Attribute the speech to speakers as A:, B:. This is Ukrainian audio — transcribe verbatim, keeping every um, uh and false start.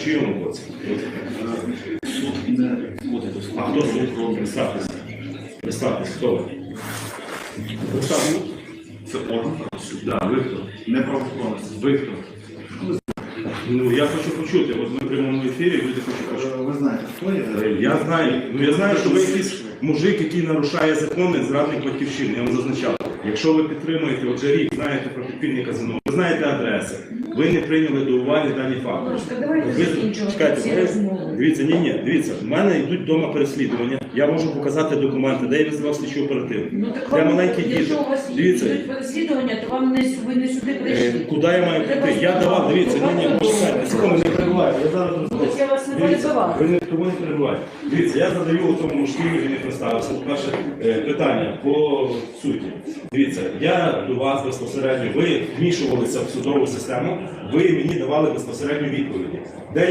A: В чийому боці?
B: Суд не входить до складу.
A: А хто суд? Представтеся. Представтеся, хто ви? Представтеся.
B: Це орган правосуддя.
A: Да, ви хто?
B: Не правоохоронець.
A: Ви хто? Ну, я хочу почути, от ми в прямому ефірі, люди хочуть почути.
B: Ви знаєте, хто є?
A: Я знаю, ну я знаю, що ви якийсь мужик, який нарушає закони, зрадник батьківщини, я вам зазначав. Якщо ви підтримуєте, отже рік, знаєте про підпільне казино, ви знаєте адреси, ви не прийняли до уваги дані факти.
C: Давайте закінчувати ці розмови.
A: Дивіться, ні, ні, дивіться, в мене йдуть вдома переслідування, я можу показати документи, де я визвав слідчу оперативну.
C: Ну так
A: Я
C: вам,
A: маленький
C: якщо
A: діти.
C: у вас
A: Дивіться,
C: йдуть переслідування, то вам не, ви не сюди
A: е,
C: прийшли.
A: куди я маю прийти? Я давав, дивіться, ні, ні, почекайте, секунду, не перебуваю, я зараз розповім.
C: Я вас не
A: Дивіться,
C: перебивала.
A: ви не тому не перебуваєте. Дивіться, я задаю тому мужчині, він не представився. По-перше, е, питання по суті. Дивіться, я до вас безпосередньо, ви вмішувалися в судову систему, ви мені давали безпосередньо відповіді. Де